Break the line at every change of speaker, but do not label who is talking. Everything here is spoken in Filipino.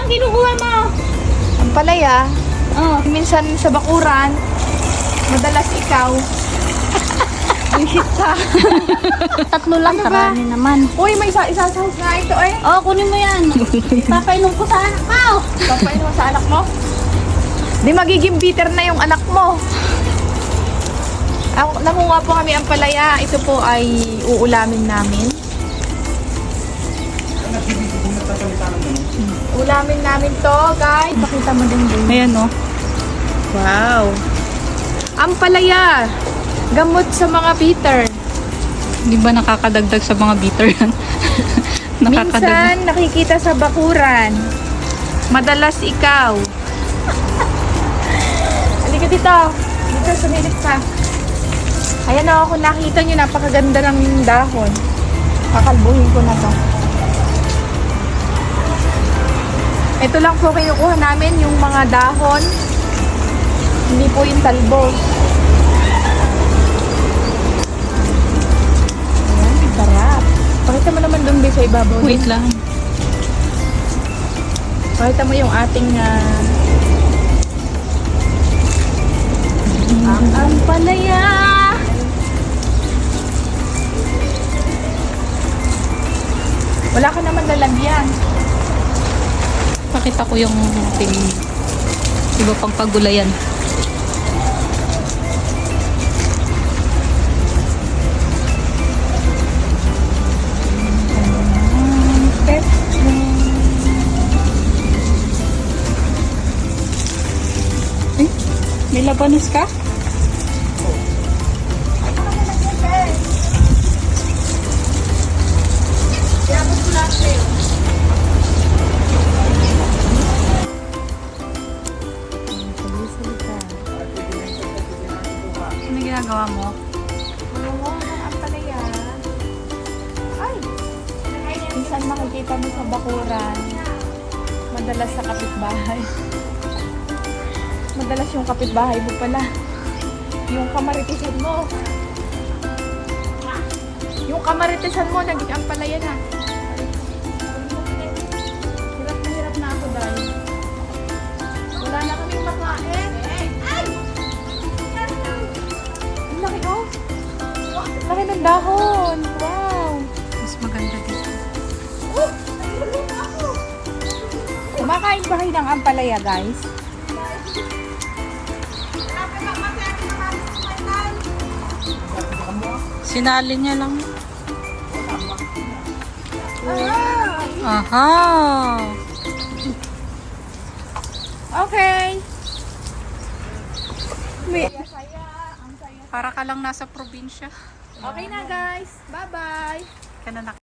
ang kinukuha mo?
Ang palaya.
Oh.
Minsan sa bakuran. Madalas ikaw. Bullshit ka.
Tatlo lang,
Ano ba?
karami naman.
Uy, may isasahog nga ito eh.
Oh, kunin mo yan. Papainom ko sa anak ko.
Papain mo sa anak mo. Di magiging bitter na yung anak mo. Nakuha po kami ang palaya. Ito po ay uulamin namin. Ulamin namin to, guys. Pakita mo din din.
Ayan, oh.
Wow. Ang palaya. Gamot sa mga bitter.
Di ba nakakadagdag sa mga bitter yan?
Minsan nakikita sa bakuran. Madalas ikaw. Halika dito. Dito, sumilip ka. Ayan o, kung nakita nyo, napakaganda ng dahon. Kakalbuhin ko na to. Ito lang po kinukuha namin, yung mga dahon. Hindi po yung talbos. Ayan, sarap. Pakita mo naman doon sa ibabaw.
Wait lang.
Pakita mo yung ating ang palaya. Wala ka naman lalagyan.
Pakita ko yung ating iba pang pagulayan. Eh, may labanos ka? Ano ginagawa mo?
Oo, ang palaya. Ay! Minsan makikita mo sa bakuran. Madalas sa kapitbahay. Madalas yung kapitbahay mo pala. Yung kamaritisan mo. Yung kamaritisan mo, naging ang palaya na. Hirap na ako dahil. Wala na kaming makain. Ay! Ang laki oh. Laki ng dahon. Wow.
Mas maganda dito.
Kumakain ba kayo ng ampalaya, guys?
Sinali niya lang. Aha!
Okay.
Para ka lang nasa probinsya.
Okay na, guys. Bye-bye.
Ka na